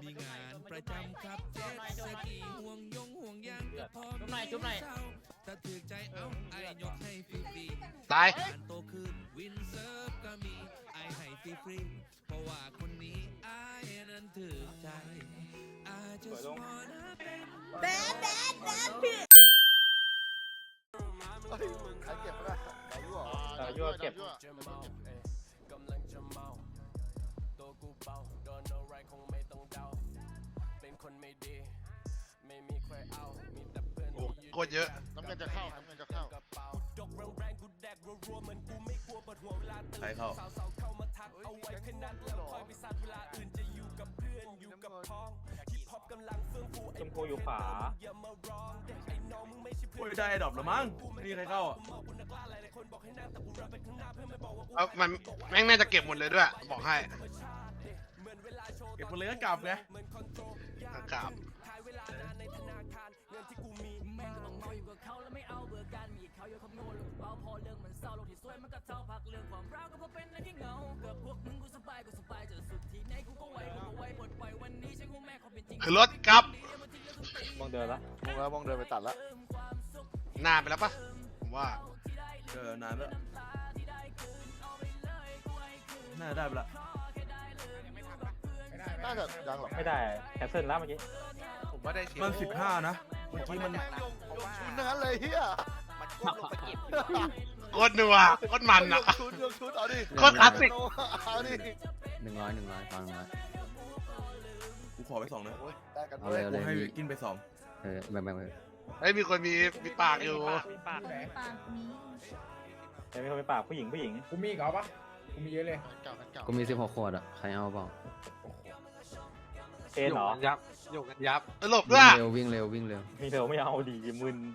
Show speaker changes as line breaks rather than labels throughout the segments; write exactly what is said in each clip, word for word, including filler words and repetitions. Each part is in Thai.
มีงานประจำครับเจ็ดสกีห่วงยงห่วงยางก็พอ
จุ๊บหน่อยจุ๊บหน่อย
ถ้าถือใจเอาไอ้ยกให้ฟรี
ตาย
ๆการโตขึ้นวินเซิร์ฟก็มีไอ้ให้ฟรีๆเพราะว่าคนนี้ไอ้นั้นถือใจ I just wanna
แบดแบดแบดพี่
ใครเก็บไม่ได้ไก่ยั่ว
เออยั่วเก็บ
โอ้โคตรเยอะ
น้ำเงินจะเข้าน้ำเงินจะเข้า
ใครเข้า
ชมพูอยู่ขวา
โอ้ยได้ดรอปแล้วมั้งไม่มีใครเข้าอ่ะ
เอามันแม่งน่าจะเก็บหมดเลยด้วยบอกให้
เก็บหมดเลยก็กลับไง
กราบ คือรถกลับ
มองเดินละ
มองแล้วมองเดินไปตัดแล้ว
นานไปแล้วปะผมว่า
เออนานแล้วน่าจะได้ไปละ
น่าจะยังหรอก
ไม่ได้แคนเซิลแล้วเมื่อกี้
ผมว่าได้เชีย
มันสิบห้านะเมื่อกี้มัน
ชุนทั้งนั้นเลยเฮีย
มันก้มลงไปเก็บ
โคตรนัวโคตรมันอ่ะ
ชุนยกชุนเอาดิ
โคตรคลาสสิก
เอาดิ
หนึ่งร้อยหนึ่งร้อยฟังหนึ่งร้อย
กูขอไปสองนะ
โอ้ยได้กัน
เอา
เล
เลย ยเอา
กู
เลย
ให้
มี
กินไปสอง
เออแบ่งแบ่งไป
เฮ้ยมีคนมีมีปากอยู่
มีปาก
ปากนี้
เดี๋ยวมีคนมีปากผู้หญิงผู้หญิง
กูมีอีกเหรอปะกูมีเยอะเลย
เก่ากันเก่า
กูมีสิบหกขวดอ่ะใครเอาเปล่า
เอ็นเหรอ
ยับโยกกันยับ
ตลกด้ว
วิ่
ย
งเร็ววิ่งเร็ววิ่งเร็ว
มีเธอไม่เอาดีมึน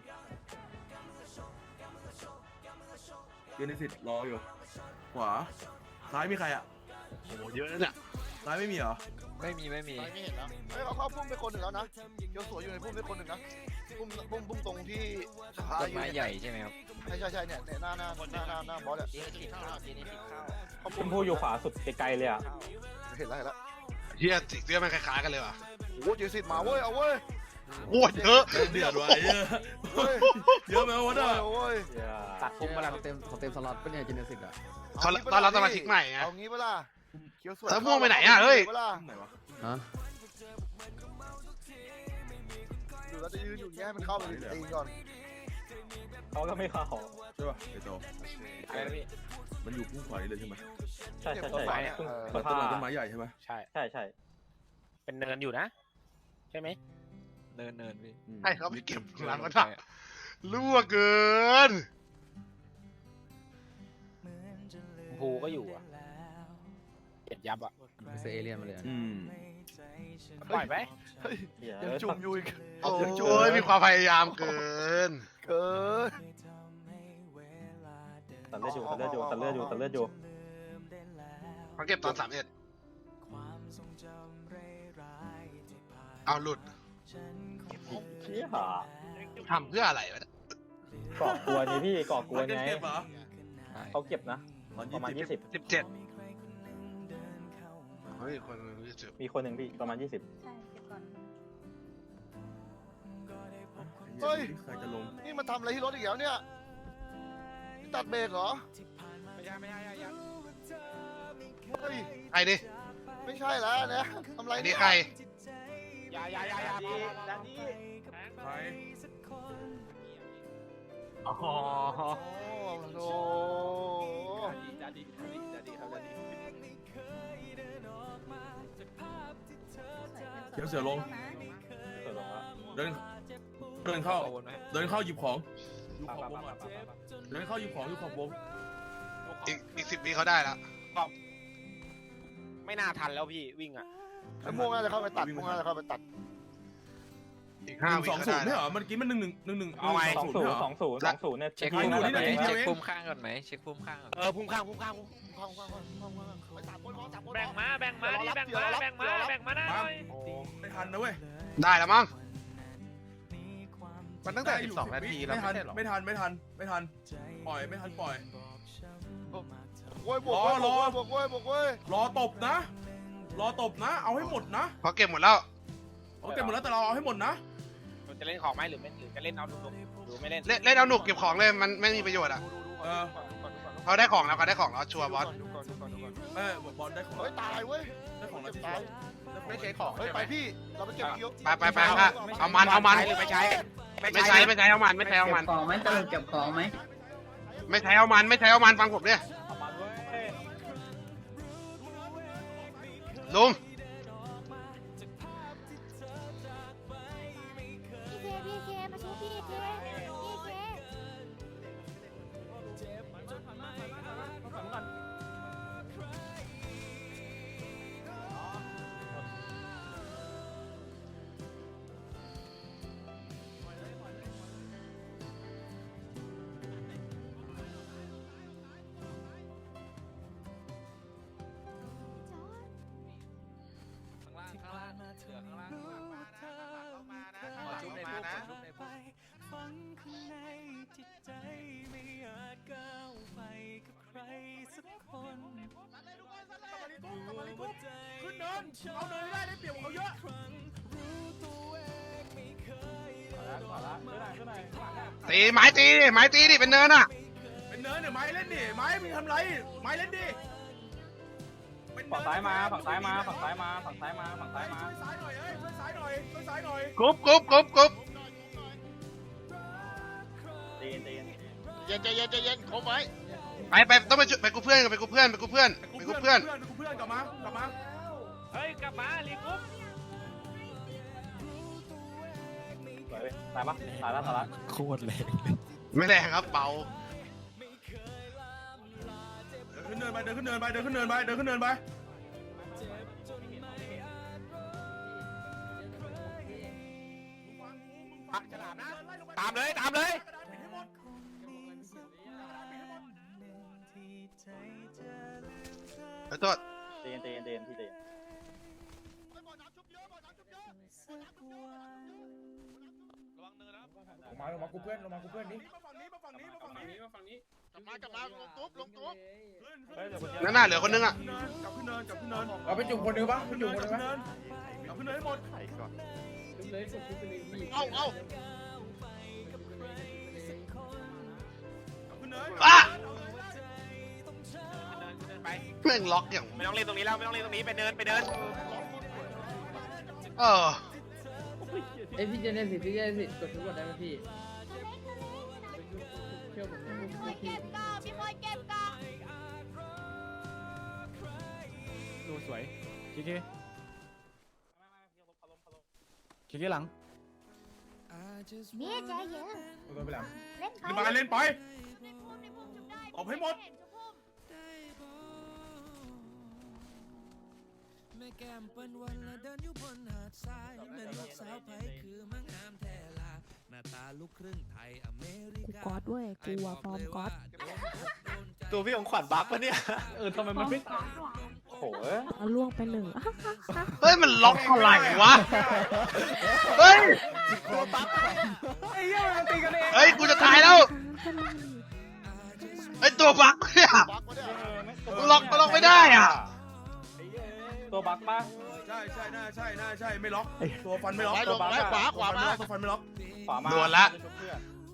เกนสิทธิ์รออยู่ขวาซ้ายมีใครอ่ะ
โอ้โหเยอะนะเนี่ย
ซ้ายไม่มีเหรอ
ไม่มีไม่มี
ไปไม่เห็นแล้วเฮ้ยเขาเข้าพุ่มไปคนหนึ่งแล้วนะเกียวสวยอยู่ในพุ่มไปคนหนึ่งนะพุ่มพุ่มพุ่มตรงที่สะพาน
ต้น
อยู่
ไม้
เนี่ย
ใหญ่ใช่ไหมครับ
ใช่ใช่ใช่เนี่ยเนี่ยหน้าหน้าหน้าหน้าหน้าบอสเนี่ย
เจนี่ติดข้าวเจนี่ติดข้าว
เขา
ช
พุ่ม
มพูอยู่ขวาสุดไกลๆเลยอ่ะ
เห็นแล้วเห็นแล้ว
เฮียสีเสื้อมันคล้ายๆกันเลยว่ะ
โอ้โหเจสิตมาเว้ยเอาเว้ย
โคตรเยอะ
เดือดไว้เยอะ
เว้ย
เยอะไหมวะเนี่ย
โอ้ย
ตัด
พุ่มมาแล้วเต็มเขาเต็มสล็อตเป็นไงจินเนสิกอ่ะ
ตอนตอนรับสมาชิกใหม่ไง
เอางี้เปล่าเกียวสวย
แล้วม่วงไปไหนอะเฮ้ย
ปล่า
ไหนวะ
ฮะ
อยู่แล้วจะยืนอยู่อย่างเงี้ยให้มันเข้าไปเองก่อน
เขาก็ไม่เข้า
ใช่ป่ะไอโต
อะไรนะพี่
มันอยู่พุ่งขวานี่เลยใช่ไหม
ใช่ใช่
ต้นไม้
ใช่
อะ
เพิ่ง
เออ
เพิ่ง
ต้น
ผ่า
ต้นไม้ใหญ่ใช่ไหม
ใช่
ใช่ใช่
เป็นเนินอยู่นะ ใช่ไหมเนินเนินพี่
อืม
ให้เขาไปเก็บหลังมันอะรั่วเกิน
ภูก็อยู่อ่ะเก็บยับอ่ะ
ไปซื้อเอเลี่ยนมาเลยอะ
อืม
ปล่อยไหม
เฮ้ย
เหี้ย
ยังจุ่มอยู่อีก
โอ้โหมีความพยายามเกิน
เกิน
ตัดเลือดอยู่ตัดเลือดอยู่ตัดเลือดอยู่ตัดเลือดอยู่
เขาเก็บตอนสามเอ็ดเอาหลุด
เชี่ย
ทำเพื่ออะไรวะ
เกาะกวนนี่พี่เกาะกวน
มัน
ไง
เก็บเหรอ
เขาเก็บนะ
ตอน
ประมาณ
ยี่
ยี่
สิ
สิ
บบ
สิบเจ็ดเฮ้ยคนยี่สิบ
มีคนหนึ่งพี่ประมาณยี่สิบ
ใช่เก็บก่อน
เฮ้ย
ใครจะลง
นี่มันทำอะไรที่รถอีกแล้วเนี่ยตัดเบรกเหรอ
ไม่ใช่ไม่ใช่ไม่ใช่
เฮ้ย
ใครดิ
ไม่ใช่แล้วนะทำอะไร
ไอ้
เนี่
นี่
ย
ใคร
อย่าอย่าอย่าอย่าดีดันดี
ใคร
อ๋อ
โอ้โห
ดันดีดันดีดันดีครับดันดี
เขียวเสือลง
เปิดลงแล้ว
เดินเดินเข้า
วนไหม
เดินเข้าหยิบของอยู่
ปะ
ขอบ
ปะ
วง
ปะ
อ่ะ
ปะปะปะ
เดินเข้าหยิบของอยู่ขอบวง
อีกอีกสิบวิเขาได้แล้ว
ไม่น่าทันแล้วพี่วิ่งอ่ะ
ไอ้ม่วงน่าจะเข้าไปตัดม่วงน่าจะเข้าไปตัด
อีก
ห
ห้า
นึ่ง
วิ
สอง
เขา
ศู
ได้
นย์ไม่
แล้ว
เหรอเมื่อกี้มันหนึ่งหนึ่งหนึ่งหนึ่ง
เอาไง
สองศูนย์สองศูนย์สองศูนย์เนี่ย
เช็ค
ที่
พุ่ม
นั่น
ไหน
แหละ
เช็
เช็
ค
ค
พุ่
พุ่
ม
ม
ข้า
ข้าง งก่อนไหมเช็คพุ่มข้าง
เออพุ่งข้างพุ่งข้างพุ่งข้างพุ่งข้างพุ่งข้างไปสามคนพอสามคนพอ
แบ่งมาแบ่งมาดิแบ่งมาแบ่งมาแบ่งมาได้เลย
ไม่ทันนะเว้ย
ได้แล้วมั้ง
มันตั้งแต่สิบสองนาทีแล้ว
ไม่ทัน
ไม่ใช่หรอ
ไม่ทันไม่ทันไม่ทันปล่อยไม่ทันปล่อย
โว้ยบวกเว้ย
รอ
บวกเว้ยบวกเว้ยบวกเว้ย
รอตบนะ รรอตบนะ เอาให้หมดนะ
พอเก็บหมดแล้ว
เอาเก็บหมดแล้วแต่เราเอาให้หมดนะ
เราจะเล่นของไหมหรือไม่หรือจะเล่นเอาดุๆหรือไม่เล่น
เล่นเล่นเอาหนุกเก็บของเลยมันไม่มีประโยชน์อ่ะ
เออ
เขาได้ของแล้วเขาได้ของแล้วชัวร์บอส
เออบอลได้ของ
เฮ้ยตายเว้ย
ได้ของแล้วที่
ตาย
ไม่ใช่ของ
เฮ้ยไปพี่เราไปเก็บเคี้ยว
ไปไปไปไปเอามันเอามัน
หรือไม่ใช้
ไม่ใช้ไม่ใช้เอามันไม่ใช้เอามัน
ของไหมตลกเก็บของไหม
ไม่ใช้เอามันไม่ใช้เอามันฟังผมเนี่ยลุง
พี่เคพี่เคมาช่วยพี่เคพี่เค
ข้างล่างข้างล่างเหลือข้างล่างขอชุบในพวกขอชุบในพวก
ขึ้นเนินเอาเนินให้ได้ได้เปรียบเขาเยอะ
ตีไม้ตีดิไม้ตีดิเป็นเนินอ่ะ
เป็นเนินเนี่ยไม้เล่นดิไม้มึงทำไรไม้เล่นดิ
ฝั่งซ้ายมาฝั่งซ้ายมาฝั่งซ้ายมาฝั่งซ้ายมาฝั่งซ้ายมา
ช่วยซ้ายหน่อยเอ้ยช่วยซ้ายหน่อยช่วยซ้ายหน่อย
กรุ๊ปกรุ๊ปกรุ๊ปกรุ๊ป
ตีนตีน
เย็นใจเย็นใจเย็นคมไว้
ไปไปต้องไปช่วยไปกูเพื่อนไปกูเพื่อนไปกูเพื่อนไปกูเพื่อน
ไปกูเพื่อนกลับมากลับมา
เฮ้ยกลับมาลีกุ๊บ
สวยเว้ยตายปะตายแล้วตายแล้ว
ไม่แรงครับเบา
เดินขึ้นเนินไปเดินขึ้นเนินไปเดินขึ้นเนินไปเดินขึ้นเนินไป
ตามเลยตามเลย
ขอโทษ
ตีนตีนตีนพี่ตีน
มาลงมากูเพื่อนลงมากูเพื่อนนี่มาฝั่งนี้มาฝั่งนี้มาฝั่งนี้มาฝั่งนี้
กลับมากลับมาลงตุ๊บลงตุ๊บ
เฮ้ยเดี๋ยวคนเดียว
นั่นน่ะเหลือคนนึงอ่ะ
กลับขึ้นเนินกลับขึ้นเนินเอาไปจุ่มคนนึงปะไปจุ่มคนนึงปะกลับขึ้นเนินให้หมด
เอาเอา
กลับขึ้นเนิน
อ่ะ
เดินไป
แม่งล็อกอย่าง
ไม่ต้องเล่นตรงนี้แล้วไม่ต้องเล่นตรงนี้ไปเดินไปเดิน
เออ
เอ้ยพี่เจเนสิพี่เจเนสิกดทุกกดได้ไหมพี่เชื่อผม
พี่คอยเก็บกล่องพี่คอยเก็บกล่อง
ดูสวยคิกกี้คิกกี้หลัง
นี่ใจเย็น
โดนไปแล้ว
เล่นไป
ขึ้นมาเล่นไป
ในพุ่มในพุ่มจุดได้
ออกให้หมด
เนจุดพุ่ม
แม่แก้มเปิ้นวันละเดินอยู่บนหาดทรายแม่ลูกสาวไผคือมังงามแท้ลาหน้าตาลูกครึ่งไทยอเมริกา
กูก๊อตเว้ยกูอะฟอร์มก๊อต
ตัวพี่ของขวัญบักปะเนี่ย
เออทำไมมันไม่
โอ้โห
เอาล่วงไปหนึ่ง
เฮ้ยมันล็อกอะไรวะเฮ้ย
ไอ้เหี้ยมันตีกันเอง
เฮ้ยกูจะตายแล้วไอ้ตัวบักเนี่ย
บักมาเนี่ย
ล็อกล็อกไม่ได้อ่ะ
ตัวบักปะ
ใช่ใช่น่าใช่น่าใช่ไม่ล็อกตัวฟันไม่ล็อก
ไว้ล
ตัว
ง
บัง
ไว้ขวาขวามา
ตัวฟันไม่ล็อก
ขวามา
โดนละ
เพื่อน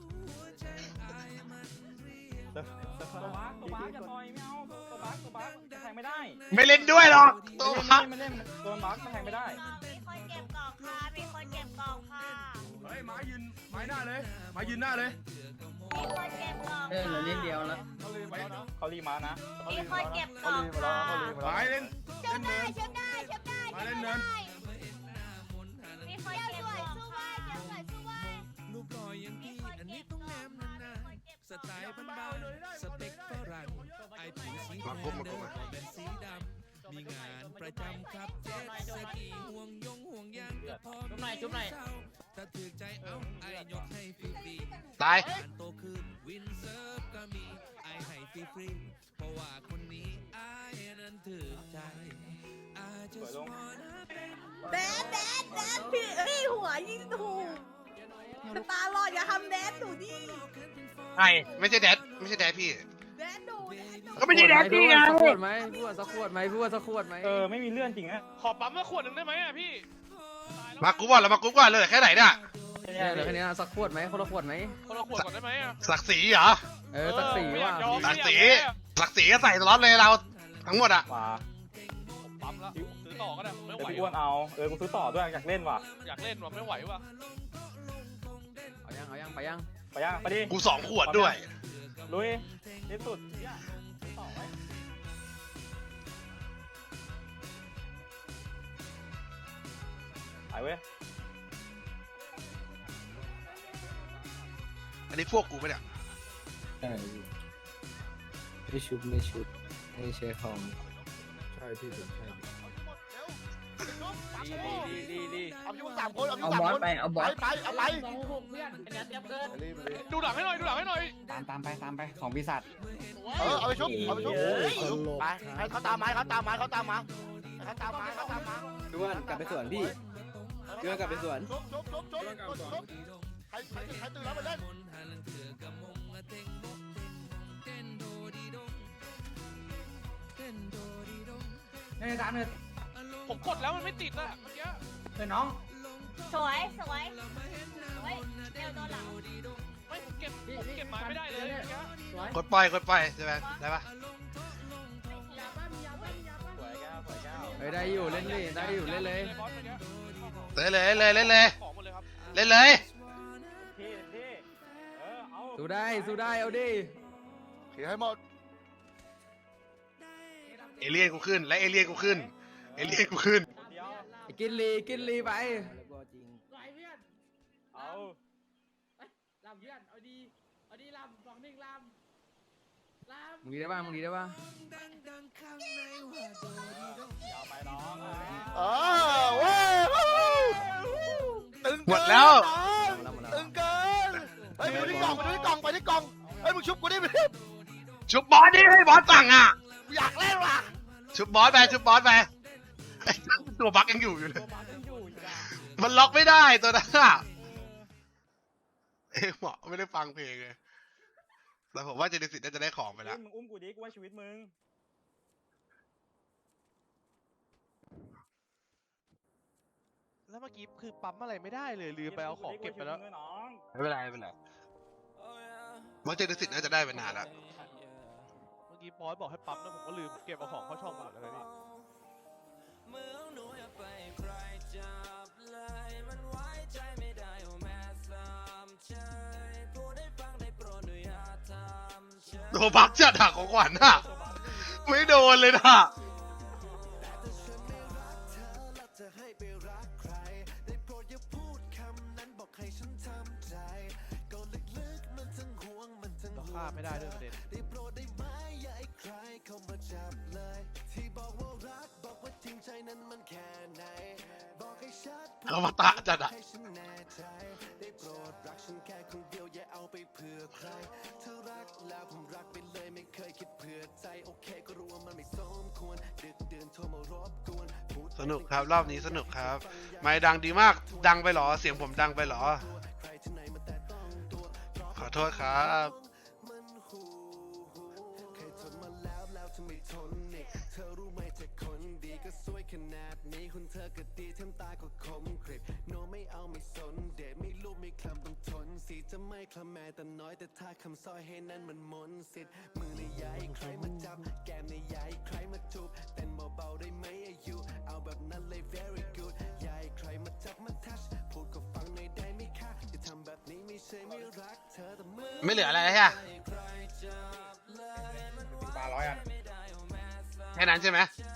ตัวบักตัวบักอย่าต่อยไม่เอาตัวบักตัวบักแทงไม่ได้
ไม่เล่นด้วยหรอกตัวบัก
ไม่เล่นตัวบักแทงไม่ได้
มีคนเก็บกล่องค่ะมีคนเก็บกล่องค่ะ
เฮ้ยไม้ยืนไม้หน้าเลยไม้ยืนหน้าเลย
มีคนเก็บกล่อง
เออเหลือนิดเดียวแล้ว
เขารีมานะ
มีคนเก็บกล่องค่ะ
ไม้เล่น
เชื่
เล่
อน ได้
เนิน
เชื่อได้เชื่อได้
มาเล่นเนิน
มีคนเก็บกล่องค่ะเจ้าสวยสู้ไว้
รูปหล่ออย่างพี่อันนี้ต้องแนมนานๆสไตล์บ้านๆสเปคฝรั่งไอผิวสีแดงเดินเป็นสีดำมีงานประจำครับเจ็ตสกีห่วงยงห่วงยางก็พอจุ๊บหน่อยจุ๊บหน่อยถ้าถือใจเอาไอยกให้ฟรีๆ
ตาย
การโตขึ้นวินเซิร์ฟก็มีไอให้ฟรีๆเพราะว่าคนนี้ไอนั้นถือใจ I just wanna
แดนแดนแดนพี่เอ้ยหัวยิงถูกสตาร์ลอดอย่าทำแดนหนูดิ
ใช่ไม่ใช่แดดไม่ใช่แดดพี่
แดนหนูแดนหนู
ก็ไม่ใช่แดกกี้ไง
สักขวดไหมพูดสักขวดไหมพูดสักขวดไหม
เออไม่มีเลื่อนจริงนะ
ขอปั๊มมาขวดหนึ่งได้ไหมอ่ะพี่
มากูก่อนแล้วมากูก่อนเลยแค่ไหนเนี่ย
เนี่ยเหลือแค่นี้นะสักขวดไหมคนละขวดไหม
คนละขวดก่อนได้ไหมอ่ะ
ศักดิ์ศรีเหรอ
เออสักสีว่า
ศักดิ์ศรีศักดิ์ศรีก็ใส่สล็อตเลยเราทั้งหมดอ่ะ
มา
ผมปั๊มแล้วซื้อต่อก็ได้ผมไม่
เดี๋ยว
ไหว
พี่อ้วนเอาเออกูซื้อต่อด้วยอยากเล่นว่ะ
อยากเล่นว่ะไม่ไหวว่ะ
เอายังเอายังไปยัง
ไปยังไปดิ
กูสองขวดด้วย
ลุยที่สุดเนี่ยซื้อต่อไว้ไปเว้ย
อันนี้พวกกูปะเนี่ย
ไม่ชุบไม่ชุบไม่ใช่ของใช่พี่ผมใช่
ดีดีดีดี
เอาอยู่สามคนเอาอยู่
เอา
สาม
บอส
คน
ไปเอาบอส
ไปเอาไป
สองหกเพื่อนไอ้นัทเตรียมเกิน
ดูหลังให้หน่อยดูหลังให้หน่อย
ตามตามไปตามไปของปีศาจ
เออเอาไปชุบเอาไปชุบไปให้เขาตามไม้เขาตามไม้เขาตามมาให้เขาตามไม้เขาตามมา
ด้วนกลับไปสวนพี่เดือนกลับไปสวน
ชุบชุบชุบชุบชุบใครใครใครตื่นแล้วไปเล่น
เนี่ยตามเลย
ผมกดแล้วมันไม่ติดอ่ะเมื่อกี้
เฮ้ยน้อง
สวยสวยเฮ้ยเร็วโดนหลัง
ไม่ผมเก็บผมเก็บไม้ไม่ได้เลยเมื่อกี้
สวย
กดปล่อยกดปล่อยใช่ไหมได้ปะ
สวยแก้วสวยแก้ว
เฮ้ยได้อยู่เล่นเลยได้อยู่เล่นเลย
บอสเมื่อกี้
เล่นเลยเล่นเลยเล่นเลย
ของหมดเลยครับ
เล่นเลย
ที่ที่เออเอา
สู้ได้สู้ได้เอาดิ
เขียให้หมด
เอเลี่ยนกูขึ้นและเอเลี่ยนกูขึ้นเอเลี่ยนกูขึ้น
เดียว
ไอ้กินลีกินลีไป
สวยเพื่อน
เอา
ลำเพื่อนเอาดีเอาดีลำสองหนึ่งลำลำ
มึงดีได้ป่ะมึงดีได้ป่ะ
ยาวไปน้อง
เออเว้ยตึง
หมดแล้ว
ตึงเกินเฮ้ยไปดูที่กล่องไปดูที่กล่องไปที่กล่องเฮ้ยมึงชุบกูดิไปดิ
ชุบบอสดิให้บอสสั่งอ่ะ
กูอยากเล่นว่ะ
ชุบบอสไปชุบบอสไปไอ้ตัวบั๊กยังอยู่อยู่เลย
ตัวบ้านยังอยู่อีกอ่ะ
มันล็อกไม่ได้ตัวนั้นอ่ะเอ้ยหมอไม่ได้ฟังเพลงเลยแต่ผมว่าเจเนซิสน่าจะได้ของไปแล้ว
มึงอุ้มกูดิกูว่าชีวิตมึง
แล้วเมื่อกี้คือปั๊มอะไรไม่ได้เลยลืมไปเอาของเก็บไปแล้ว
น้อง
ไม่เป็นไรไม่เป็นไรว่าเจเนซิสน่าจะได้ไปนานแล้ว
เมื่อกี้บอสบอกให้ปั๊มแล้วผมก็ลืมเก็บเอาของเข้าช่องหมดแล้วพี่
ตัวบั๊กจัดหักของขวัญอ่ะไม่โดนเลยนะ
เราฆ่าไม่ได้ด้วยประเด็น
เขามาตะจัดอ่ะ สนุกครับรอบนี้สนุกครับ ไม่ดังดีมากดังไปเหรอเสียงผมดังไปเหรอ ขอโทษครับ ไม่เหลืออะไรแล้วใช่ไหม
ปลาร้อยอัน
แค่นั้นใช่ไหม
ใ